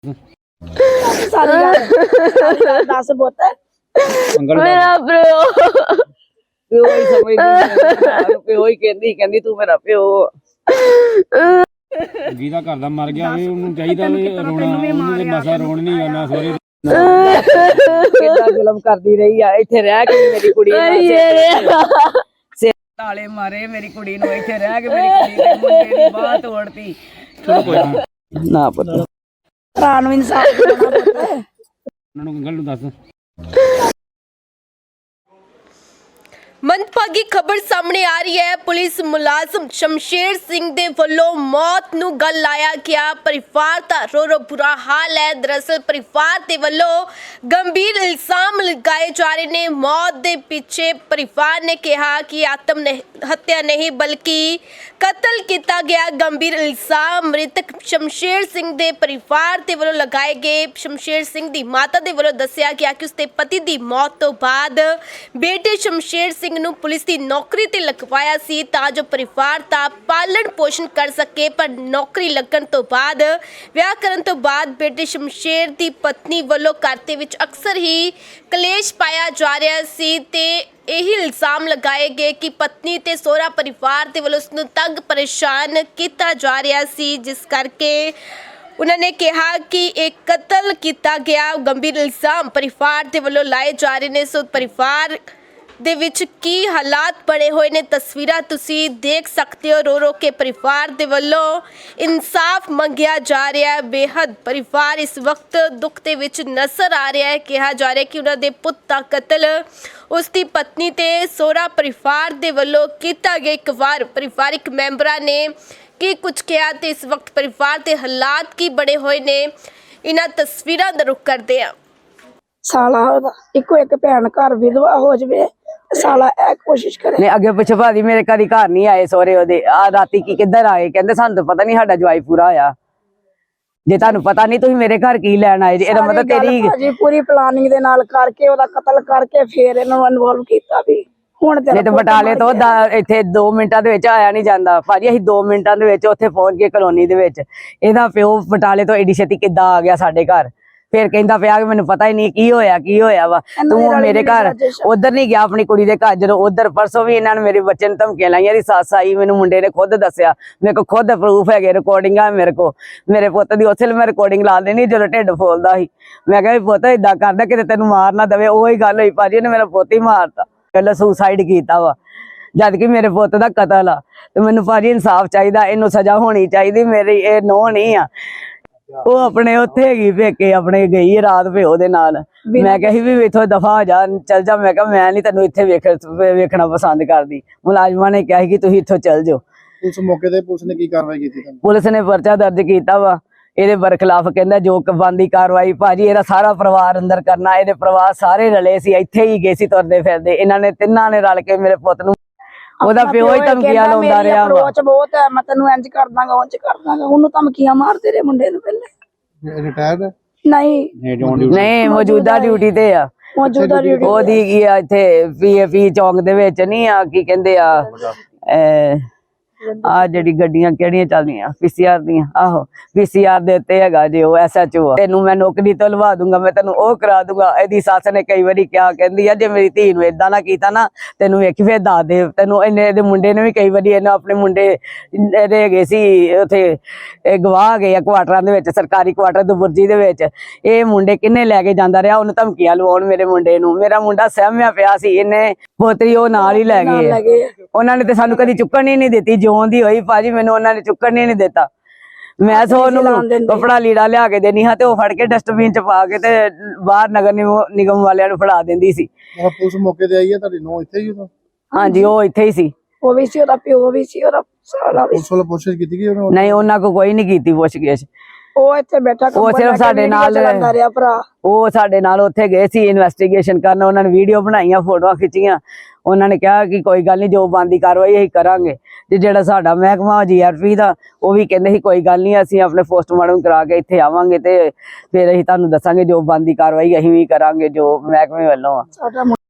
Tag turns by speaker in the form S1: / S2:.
S1: सारी गल दस पुत
S2: मेरा प्यो
S3: प्यो ही समझदी प्यो ही कहंदी तू मेरा प्यो
S4: ਜਿਹਦਾ ਘਰ ਦਾ ਮਰ ਗਿਆ ਹੋਵੇ ਉਹਨੂੰ ਚਾਹੀਦਾ ਵੀ ਰੋਣਾ ਉਹਨੂੰ ਤੇ ਮਸਾ ਰੋਣ ਨਹੀਂ ਆਉਣਾ ਸੋਰੇ
S3: ਕਿੰਨਾ ਜ਼ੁਲਮ ਕਰਦੀ ਰਹੀ ਆ ਇੱਥੇ ਰਹਿ ਕੇ ਮੇਰੀ ਕੁੜੀ ਤਾਲੇ ਮਾਰੇ ਮੇਰੀ ਕੁੜੀ ਨੂੰ ਇੱਥੇ ਰਹਿ ਕੇ ਮੇਰੀ ਕੁੜੀ ਦੇ ਮੁੰਡੇ ਦੀ ਬਾਹ ਤੋੜਤੀ
S4: ਚਲੋ ਕੋਈ ਨਾ
S3: ਨਾ ਪਤਾ
S1: ਭਰਾ ਨੂੰ ਇਨਸਾਫ ਦੇਣਾ ਪੁੱਤ
S4: ਉਹਨਾਂ ਨੂੰ ਗੱਲ ਨੂੰ ਦੱਸ।
S2: ਮੰਦਭਾਗੀ ਖਬਰ ਸਾਹਮਣੇ ਆ ਰਹੀ ਹੈ। ਪੁਲਿਸ ਮੁਲਾਜ਼ਮ ਸ਼ਮਸ਼ੇਰ ਸਿੰਘ ਦੇ ਵੱਲੋਂ ਮੌਤ ਨੂੰ ਗਲ ਲਾਇਆ ਗਿਆ। ਪਰਿਵਾਰ ਦਾ ਰੋ ਬੁਰਾ ਹਾਲ ਹੈ। ਦਰਅਸਲ ਪਰਿਵਾਰ ਦੇ ਵੱਲੋਂ ਗੰਭੀਰ ਇਲਜ਼ਾਮ ਲਗਾਏ ਜਾ ਰਹੇ ਨੇ। ਮੌਤ ਦੇ ਪਿੱਛੇ ਪਰਿਵਾਰ ਨੇ ਕਿਹਾ ਕਿ ਆਤਮ ਹੱਤਿਆ ਨਹੀਂ ਬਲਕਿ ਕਤਲ ਕੀਤਾ ਗਿਆ। ਗੰਭੀਰ ਇਲਜ਼ਾਮ ਮ੍ਰਿਤਕ ਸ਼ਮਸ਼ੇਰ ਸਿੰਘ ਦੇ ਪਰਿਵਾਰ ਦੇ ਵੱਲੋਂ ਲਗਾਏ ਗਏ। ਸ਼ਮਸ਼ੇਰ ਸਿੰਘ ਦੀ ਮਾਤਾ ਦੇ ਵੱਲੋਂ ਦੱਸਿਆ ਗਿਆ ਕਿ ਉਸਦੇ ਪਤੀ ਦੀ ਮੌਤ ਤੋਂ ਬਾਅਦ ਬੇਟੇ ਸ਼ਮਸ਼ੇਰ ਸਿੰਘ ਨੂੰ ਪੁਲਿਸ ਦੀ ਨੌਕਰੀ ਤੇ ਲਗਵਾਇਆ ਸੀ ਤਾਂ ਜੋ ਪਰਿਵਾਰ ਦਾ ਪਾਲਣ ਪੋਸ਼ਣ ਕਰ ਸਕੇ। ਪਰ ਨੌਕਰੀ ਲੱਗਣ ਤੋਂ ਬਾਅਦ ਵਿਆਹ ਕਰਨ ਤੋਂ ਬਾਅਦ ਬੇਟੇ ਸ਼ਮਸ਼ੇਰ ਦੀ ਪਤਨੀ ਵੱਲੋਂ ਘਰ ਦੇ ਵਿੱਚ ਅਕਸਰ ਹੀ ਕਲੇਸ਼ ਪਾਇਆ ਜਾ ਰਿਹਾ ਸੀ ਤੇ ਇਹੀ ਇਲਜ਼ਾਮ ਲਗਾਏ ਗਏ ਕਿ ਪਤਨੀ ਤੇ ਸਹੁਰਾ ਪਰਿਵਾਰ ਦੇ ਵੱਲੋਂ ਉਸ ਨੂੰ ਤੰਗ ਪਰੇਸ਼ਾਨ ਕੀਤਾ ਜਾ ਰਿਹਾ ਸੀ, ਜਿਸ ਕਰਕੇ ਉਹਨਾਂ ਨੇ ਕਿਹਾ ਕਿ ਇਹ ਕਤਲ ਕੀਤਾ ਗਿਆ। ਗੰਭੀਰ ਇਲਜ਼ਾਮ ਪਰਿਵਾਰ ਦੇ ਵੱਲੋਂ ਲਾਏ ਜਾ ਰਹੇ ਨੇ। ਸੋ ਪਰਿਵਾਰ ਦੇ ਵਿੱਚ ਕੀ ਹਾਲਾਤ ਬਣੇ ਹੋਏ ਨੇ ਤਸਵੀਰਾਂ ਤੁਸੀਂ ਦੇਖ ਸਕਦੇ ਹੋ। ਰੋ ਰੋ ਕੇ ਪਰਿਵਾਰ ਦੇ ਵੱਲੋਂ ਇਨਸਾਫ ਮੰਗਿਆ ਜਾ ਰਿਹਾ ਹੈ। ਬੇਹੱਦ ਪਰਿਵਾਰ ਇਸ ਵਕਤ ਦੁੱਖ ਦੇ ਵਿੱਚ ਨਜ਼ਰ ਆ ਰਿਹਾ ਹੈ। ਕਿਹਾ ਜਾ ਰਿਹਾ ਕਿ ਉਹਨਾਂ ਦੇ ਪੁੱਤ ਦਾ ਕਤਲ ਉਸ ਦੀ ਪਤਨੀ ਤੇ ਸਹੁਰਾ ਪਰਿਵਾਰ ਦੇ ਵੱਲੋਂ ਕੀਤਾ ਗਿਆ। ਇੱਕ ਵਾਰ ਪਰਿਵਾਰਿਕ ਮੈਂਬਰਾਂ ਨੇ ਕੀ ਕੁਝ ਕਿਹਾ ਤੇ ਇਸ ਵਕਤ ਪਰਿਵਾਰ ਦੇ ਹਾਲਾਤ ਕੀ ਬਣੇ ਹੋਏ ਨੇ, ਇਹਨਾਂ ਤਸਵੀਰਾਂ ਦਾ ਰੁਖ ਕਰਦੇ ਹਾਂ।
S1: ਸਾਲਾ ਉਹਦਾ ਇੱਕੋ ਇੱਕ ਭੈਣ ਘਰ ਵਿਧਵਾ ਹੋ ਜਾਵੇ, ਸਾਲਾ ਇਹ ਕੋਸ਼ਿਸ਼ ਕਰੇ।
S3: ਨੇ ਅੱਗੇ ਪਿੱਛੇ ਭਾਜੀ ਮੇਰੇ ਕਦੀ ਘਰ ਨਹੀਂ ਆਏ ਸਹੁਰੇ ਉਹਦੇ। ਆ ਰਾਤੀ ਕੀ ਕਿੱਧਰ ਆਏ, ਕਹਿੰਦੇ ਸਾਨੂੰ ਤਾਂ ਪਤਾ ਨਹੀਂ ਸਾਡਾ ਜਵਾਈ ਪੂਰਾ ਹੋਇਆ। ਜੇ ਤੁਹਾਨੂੰ ਪਤਾ ਨਹੀਂ ਤੁਸੀਂ ਮੇਰੇ ਘਰ ਕੀ ਲੈਣ ਆਏ ਜੀ? ਇਹਦਾ ਮਤਲਬ ਤੇਰੀ
S1: ਭਾਜੀ ਪੂਰੀ ਪਲਾਨਿੰਗ ਦੇ ਨਾਲ ਕਰਕੇ ਉਹਦਾ ਕਤਲ ਕਰਕੇ ਫੇਰ ਇਹਨਾਂ ਨੂੰ ਇਨਵੋਲਵ ਕੀਤਾ ਵੀ ਹੁਣ
S3: ਨਹੀਂ ਤੇ ਬਟਾਲੇ ਤੋਂ ਇੱਥੇ 2 ਮਿੰਟਾਂ ਦੇ ਵਿੱਚ ਆਇਆ ਨਹੀਂ ਜਾਂਦਾ ਭਾਜੀ। ਅਸੀਂ 2 ਮਿੰਟਾਂ ਦੇ ਵਿੱਚ ਉੱਥੇ ਪਹੁੰਚ ਗਏ ਕਲੋਨੀ ਦੇ ਵਿੱਚ। ਇਹਦਾ ਪਿਓ ਬਟਾਲੇ ਤੋਂ ਏਡੀ ਛੇਤੀ ਕਿੱਦਾਂ ਆ ਗਿਆ ਸਾਡੇ ਘਰ? ਫਿਰ ਕਹਿੰਦਾ ਪਿਆ ਕਿ ਮੈਨੂੰ ਪਤਾ ਹੀ ਨਹੀਂ ਕੀ ਹੋਇਆ ਵਾ। ਤੂੰ ਮੇਰੇ ਘਰ ਉਧਰ ਨਹੀਂ ਗਿਆ ਆਪਣੀ ਕੁੜੀ ਦੇ ਘਰ। ਜਦੋਂ ਉਧਰ ਪਰਸੋਂ ਵੀ ਇਹਨਾਂ ਨੇ ਮੇਰੇ ਬੱਚੇ ਨੂੰ ਧਮਕੀਆਂ ਲਾਈਆਂ। ਦੀ ਸੱਸ ਆਈ, ਮੈਨੂੰ ਮੁੰਡੇ ਨੇ ਖੁਦ ਦੱਸਿਆ, ਮੇਰੇ ਕੋਲ ਖੁਦ ਪ੍ਰੂਫ ਹੈਗੇ, ਰਿਕਾਰਡਿੰਗਾਂ ਮੇਰੇ ਕੋਲ। ਮੇਰੇ ਪੁੱਤ ਦੀ ਉਸੇ ਮੈਂ ਰਿਕਾਰਡਿੰਗ ਲਾ ਦੇਣੀ ਜਦੋਂ ਢਿੱਡ ਫੋਲਦਾ ਸੀ। ਮੈਂ ਕਿਹਾ ਵੀ ਪੁੱਤ ਏਦਾਂ ਕਰਦਾ ਕਿਤੇ ਤੈਨੂੰ ਮਾਰ ਨਾ ਦੇਵੇ। ਉਹੀ ਗੱਲ ਹੋਈ ਭਾਜੀ, ਇਹਨੇ ਮੇਰਾ ਪੁੱਤ ਹੀ ਮਾਰਤਾ। ਪਹਿਲਾਂ ਸੁਸਾਈਡ ਕੀਤਾ ਵਾ ਜਦ ਕਿ ਮੇਰੇ ਪੁੱਤ ਦਾ ਕਤਲ ਆ। ਤੇ ਮੈਨੂੰ ਭਾਜੀ ਇਨਸਾਫ ਚਾਹੀਦਾ, ਇਹਨੂੰ ਸਜ਼ਾ ਹੋਣੀ ਚਾਹੀਦੀ। ਮੇਰੀ ਇਹ ਨੋ ਨਹੀਂ ਆ, ਉਹ ਆਪਣੇ ਉੱਥੇ ਹੈਗੀ ਪੇਕੇ ਆਪਣੇ ਗਈ ਰਾਤ ਪਿਓ ਦੇ ਨਾਲ। ਮੈਂ ਕਿਹਾ ਸੀ ਵੀ ਇੱਥੋਂ ਦਫਾ ਹੋ ਜਾ, ਚੱਲ ਜਾ। ਮੈਂ ਕਿਹਾ ਮੈਂ ਨਹੀਂ ਤੈਨੂੰ ਇੱਥੇ ਵੇਖਣਾ ਪਸੰਦ ਕਰਦੀ। ਮੁਲਾਜ਼ਮਾਂ ਨੇ ਕਿਹਾ ਕਿ ਤੁਸੀਂ ਇੱਥੋਂ ਚੱਲ ਜਾਓ।
S5: ਉਸ ਮੌਕੇ ਤੇ ਪੁਲਿਸ ਨੇ ਕੀ ਕਾਰਵਾਈ ਕੀਤੀ?
S3: ਪੁਲਿਸ ਨੇ ਪਰਚਾ ਦਰਜ ਕੀਤਾ ਵਾ ਇਹਦੇ ਬਰਖਲਾਫ। ਕਹਿੰਦਾ ਜੋ ਬੰਦੀ ਕਾਰਵਾਈ ਭਾਜੀ ਇਹਦਾ ਸਾਰਾ ਪਰਿਵਾਰ ਅੰਦਰ ਕਰਨਾ। ਇਹਦੇ ਪਰਿਵਾਰ ਸਾਰੇ ਰਲੇ ਸੀ, ਇੱਥੇ ਹੀ ਗਏ ਸੀ ਤੁਰਦੇ ਫਿਰਦੇ। ਇਹਨਾਂ ਨੇ ਤਿੰਨਾਂ ਨੇ ਰਲ ਕੇ ਮੇਰੇ ਪੁੱਤ ਨੂੰ, ਉਹਦਾ ਪਿਓ ਹੀ ਧਮਕੀਆਂ ਲਾਉਂਦਾ ਰਿਹਾ ਵਾ।
S1: ਅਪਰੋਚ ਬਹੁਤ ਹੈ, ਮੈਂ ਤੈਨੂੰ ਇੰਜ ਕਰ ਦਾਂਗਾ ਉਂਝ ਕਰ ਦਾਂਗਾ। ਉਹਨੂੰ ਧਮਕੀਆਂ ਮਾਰਦੇ ਰਹੇ ਮੁੰਡੇ ਨੂੰ ਪਹਿਲੇ।
S5: ਰਿਟਾਇਰਡ
S3: ਨਹੀਂ ਮੌਜੂਦਾ ਡਿਊਟੀ ਤੇ ਆ।
S1: ਮੌਜੂਦਾ ਡਿਊਟੀ
S3: ਉਹਦੀ ਕੀ ਆ ਇੱਥੇ ਪੀਏਪੀ ਚੌਂਕ ਦੇ ਵਿੱਚ ਨਹੀਂ ਆ, ਕੀ ਕਹਿੰਦੇ ਆ ਆ ਜਿਹੜੀ ਗੱਡੀਆਂ ਕਿਹੜੀਆਂ ਚੱਲਦੀਆਂ ਪੀਸੀਆਰ ਦੀਆਂ। ਆਹੋ ਪੀਸੀਆਰ ਦੇ ਉੱਤੇ ਹੈਗਾ ਜੇ ਉਹ ਐਸਐਚਓ ਆ। ਤੈਨੂੰ ਮੈਂ ਨੌਕਰੀ ਤੋਂ ਲਵਾ ਦੂੰਗਾ, ਮੈਂ ਤੈਨੂੰ ਉਹ ਕਰਾ ਦੂੰਗਾ। ਇਹਦੀ ਸੱਸ ਨੇ ਕਈ ਵਾਰੀ ਕਿਹਾ, ਕਹਿੰਦੀ ਆ ਜੇ ਮੇਰੀ ਧੀ ਨੂੰ ਏਦਾਂ ਨਾ ਕੀਤਾ ਨਾ ਤੈਨੂੰ ਵੇਖੀ ਫੇਰ ਦੱਸ ਦੇ ਤੈਨੂੰ। ਇਹਦੇ ਮੁੰਡੇ ਨੇ ਵੀ ਕਈ ਵਾਰੀ ਇਹਨੇ ਆਪਣੇ ਮੁੰਡੇ ਇਹਦੇ ਹੈਗੇ ਸੀ ਉੱਥੇ ਇਹ ਗਵਾਹ ਗਏ ਆ ਕੁਆਟਰਾਂ ਦੇ ਵਿੱਚ, ਸਰਕਾਰੀ ਕੁਆਟਰ ਦੁਬੁਰਜੀ ਦੇ ਵਿੱਚ। ਇਹ ਮੁੰਡੇ ਕਿੰਨੇ ਲੈ ਕੇ ਜਾਂਦਾ ਰਿਹਾ ਉਹਨੂੰ ਧਮਕੀਆਂ ਲਵਾਉਣ ਮੇਰੇ ਮੁੰਡੇ ਨੂੰ। ਮੇਰਾ ਮੁੰਡਾ ਸਹਿਮਿਆ ਪਿਆ ਸੀ, ਇਹਨੇ ਪੋਤਰੀ ਉਹ ਨਾਲ ਹੀ ਲੈ ਗਏ। ਉਹਨਾਂ ਨੇ ਤੇ ਸਾਨੂੰ ਕਦੀ ਚੁੱਕਣ ਹੀ ਨਹੀਂ ਦਿੱਤੀ। ਜਿਉਂ ਦੀ ਹੋਈ ਭਾਜੀ ਮੈਨੂੰ ਉਹਨਾਂ ਨੇ ਚੁੱਕਣ ਹੀ ਨਹੀਂ ਦਿੱਤਾ। ਮੈਂ ਸੋ ਉਹਨੂੰ ਕੱਪੜਾ ਲੀੜਾ ਲਿਆ ਕੇ ਦੇਣੀ ਹਾਂ ਤੇ ਉਹ ਫੜ ਕੇ ਡਸਟਬਿਨ ਚ ਪਾ ਕੇ ਤੇ ਬਾਹਰ ਨਗਰ ਨਿਗਮ ਵਾਲਿਆਂ ਨੂੰ ਫੜਾ ਦਿੰਦੀ ਸੀ।
S5: ਪੁਲਿਸ ਮੌਕੇ ਤੇ ਆਈ ਹੈ ਤੁਹਾਡੀ ਨੋ ਇੱਥੇ ਹੀ?
S3: ਹਾਂਜੀ ਉਹ ਇੱਥੇ ਹੀ ਸੀ।
S1: ਉਹ ਵੀ ਸੀ, ਉਹਦਾ ਪਿਓ ਵੀ ਸੀ, ਉਹਦਾ ਸਾਲਾ ਵੀ।
S5: ਪੁਲਿਸ ਵੱਲੋਂ ਪੁੱਛਿਸ਼ ਕੀਤੀ ਗਈ?
S3: ਨਹੀਂ ਉਹਨਾਂ ਕੋ ਕੋਈ ਨਹੀਂ ਕੀਤੀ ਪੁੱਛਗਿੱਛ।
S1: ਉਹ ਇੱਥੇ ਬੈਠਾ
S3: ਉਹ ਸਿਰਫ ਸਾਡੇ ਨਾਲ
S1: ਰਿਹਾ ਭਰਾ।
S3: ਉਹ ਸਾਡੇ ਨਾਲ ਉੱਥੇ ਗਏ ਸੀ ਇਨਵੈਸਟੀਗੇਸ਼ਨ ਕਰਨ। ਉਹਨਾਂ ਨੇ ਵੀਡੀਓ ਬਣਾਈਆਂ, ਫੋਟੋਆਂ ਖਿੱਚੀਆਂ। ਉਹਨਾਂ ਨੇ ਕਿਹਾ ਕਿ ਕੋਈ ਗੱਲ ਨਹੀਂ, ਜੋ ਬਣਦੀ ਕਾਰਵਾਈ ਅਸੀਂ ਕਰਾਂਗੇ। ਤੇ ਜਿਹੜਾ ਸਾਡਾ ਮਹਿਕਮਾ ਜੀਆਰਪੀ ਦਾ ਉਹ ਵੀ ਕਹਿੰਦੇ ਸੀ ਕੋਈ ਗੱਲ ਨਹੀਂ, ਅਸੀਂ ਆਪਣੇ ਪੋਸਟਮਾਰਟਮ ਕਰਾ ਕੇ ਇੱਥੇ ਆਵਾਂਗੇ ਤੇ ਫਿਰ ਅਸੀਂ ਤੁਹਾਨੂੰ ਦੱਸਾਂਗੇ ਜੋ ਬਣਦੀ ਕਾਰਵਾਈ ਅਸੀਂ ਵੀ ਕਰਾਂਗੇ ਜੋ ਮਹਿਕਮੇ ਵੱਲੋਂ ਆ।